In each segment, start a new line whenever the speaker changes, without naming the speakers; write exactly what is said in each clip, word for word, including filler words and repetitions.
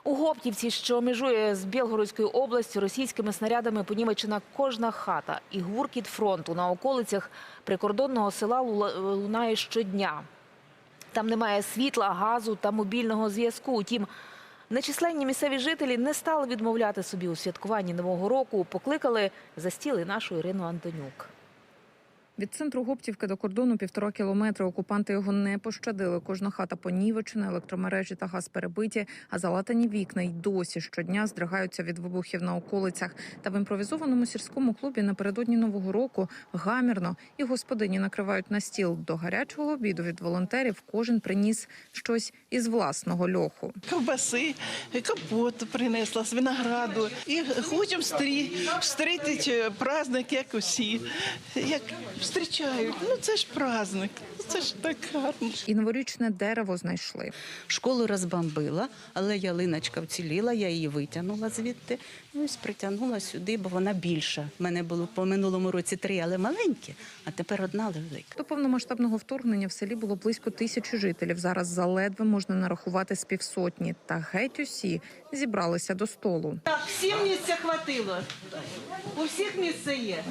У Гоптівці, що межує з Білгородською областю, російськими снарядами понівечена кожна хата. І гуркіт фронту на околицях прикордонного села лунає щодня. Там немає світла, газу та мобільного зв'язку. Утім, нечисленні місцеві жителі не стали відмовляти собі у святкуванні Нового року. Покликали за стіл і нашу Ірину Антонюк.
Від центру Гоптівки до кордону півтора кілометри. Окупанти його не пощадили. Кожна хата понівечена, електромережі та газ перебиті, а залатані вікна й досі щодня здригаються від вибухів на околицях. Та в імпровізованому сільському клубі напередодні Нового року гамірно і господині накривають на стіл. До гарячого обіду від волонтерів кожен приніс щось із власного льоху.
Ковбаси, компоту принесла з винограду. І хочемо зустріти праздник, як усі. Як зустрічають. Ну це ж праздник, це ж так гарно.
І новорічне дерево знайшли.
Школу розбомбила, але ялиночка вціліла, я її витягнула звідти. Ну, ось притягнула сюди, бо вона більша. У мене було по минулому році три, але маленькі, а тепер одна, але велика.
До повномасштабного вторгнення в селі було близько тисячі жителів. Зараз заледве можна нарахувати з півсотні. Та геть усі зібралися до столу.
Так, всім місця хватило. У всіх місце є.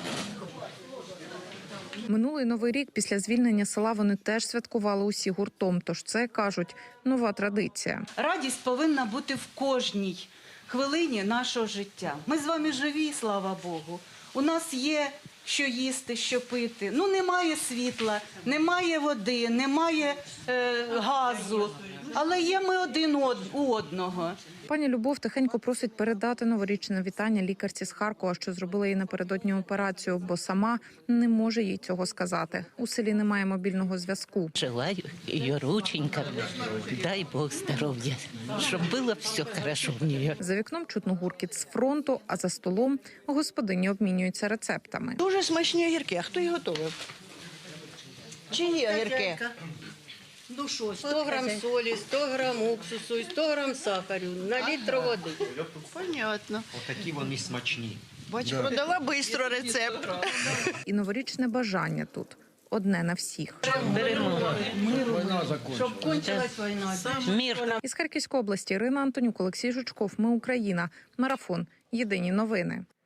Минулий Новий рік після звільнення села вони теж святкували усі гуртом. Тож це, кажуть, нова традиція.
Радість повинна бути в кожній хвилині нашого життя. Ми з вами живі, слава Богу. У нас є що їсти, що пити. Ну, немає світла, немає води, немає е, газу. Але є ми один у одного.
Пані Любов тихенько просить передати новорічне вітання лікарці з Харкова, що зробила їй напередодні операцію, бо сама не може їй цього сказати. У селі немає мобільного зв'язку.
Желаю її рученькам, дай Бог здоров'я, щоб було все хорошо в неї.
За вікном чутно гуркіт з фронту, а за столом господині обмінюються рецептами.
Дуже смачні огірки. А хто їх готував? Чиї огірки?
Ну що, сто грам солі, сто грам уксусу, сто грам сахару на літр води.
Понятно.
Отакі вони смачні.
Бач, продала швидко рецепт.
І новорічне бажання тут одне на всіх.
Щоб кончилась війна.
Мир.
Із Харківської області Ірина Антонюк, Олексій Жучков. Ми Україна. Марафон. Єдині новини.